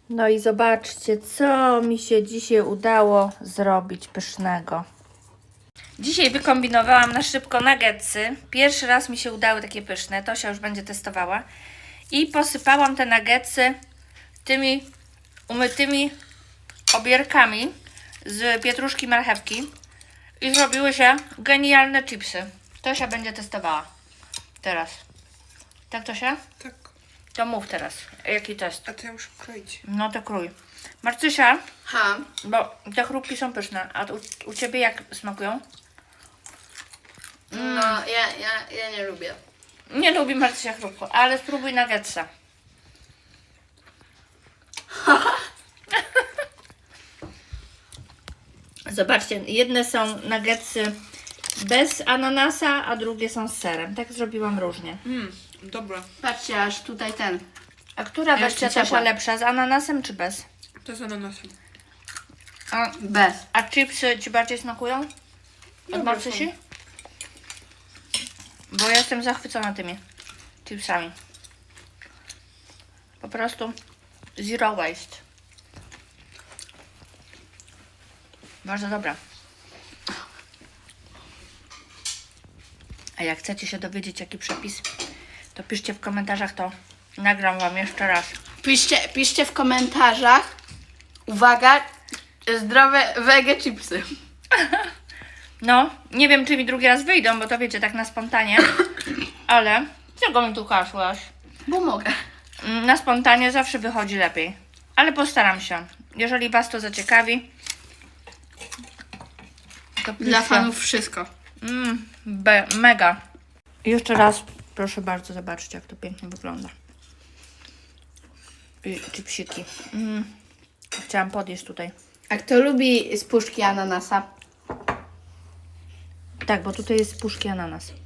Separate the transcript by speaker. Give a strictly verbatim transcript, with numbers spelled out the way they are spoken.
Speaker 1: No i zobaczcie, co mi się dzisiaj udało zrobić pysznego. Dzisiaj wykombinowałam na szybko nuggetsy. Pierwszy raz mi się udały takie pyszne. Tosia już będzie testowała. I posypałam te nuggetsy tymi umytymi obierkami z pietruszki, marchewki. I zrobiły się genialne chipsy. Tosia będzie testowała. Teraz. Tak, Tosia?
Speaker 2: Tak.
Speaker 1: To mów teraz. Jaki test?
Speaker 2: A to ja muszę kroić.
Speaker 1: No to krój. Marcysia,
Speaker 3: Ha.
Speaker 1: bo te chrupki są pyszne. A u, u Ciebie jak smakują?
Speaker 3: No, ja, ja, ja nie lubię.
Speaker 1: Nie lubi Marcysia chrupko, ale spróbuj nuggetsa. Zobaczcie, jedne są nuggetsy bez ananasa, a drugie są z serem. Tak zrobiłam różnie.
Speaker 2: Mmm, dobra.
Speaker 3: Patrzcie, aż tutaj ten.
Speaker 1: A która
Speaker 3: Jeszcze
Speaker 1: wersja
Speaker 3: ciepła.
Speaker 1: Tosia lepsza? Z ananasem czy bez?
Speaker 2: To jest ananasem.
Speaker 1: A,
Speaker 3: Bez.
Speaker 1: a chipsy Ci bardziej smakują? Od
Speaker 2: Dobre
Speaker 1: Marcysi? Bo ja jestem zachwycona tymi chipsami. Po prostu zero waste. Bardzo dobra. A jak chcecie się dowiedzieć, jaki przepis, to piszcie w komentarzach, to nagram Wam jeszcze raz.
Speaker 3: Piszcie, piszcie w komentarzach. Uwaga, zdrowe wege chipsy.
Speaker 1: No, nie wiem, czy mi drugi raz wyjdą, bo to wiecie, tak na spontanie. Ale czego mi tu kaszłaś?
Speaker 3: Bo mogę.
Speaker 1: Mm, Na spontanie zawsze wychodzi lepiej. Ale postaram się. Jeżeli Was to zaciekawi, to
Speaker 3: Dla
Speaker 1: piszcie.
Speaker 3: fanów wszystko.
Speaker 1: Mm, be, mega. I jeszcze raz, proszę bardzo, zobaczcie, jak to pięknie wygląda. I chipsiki. Mm. Chciałam podjeść tutaj.
Speaker 3: A kto lubi z puszki ananasa?
Speaker 1: Tak, bo tutaj jest z puszki ananas.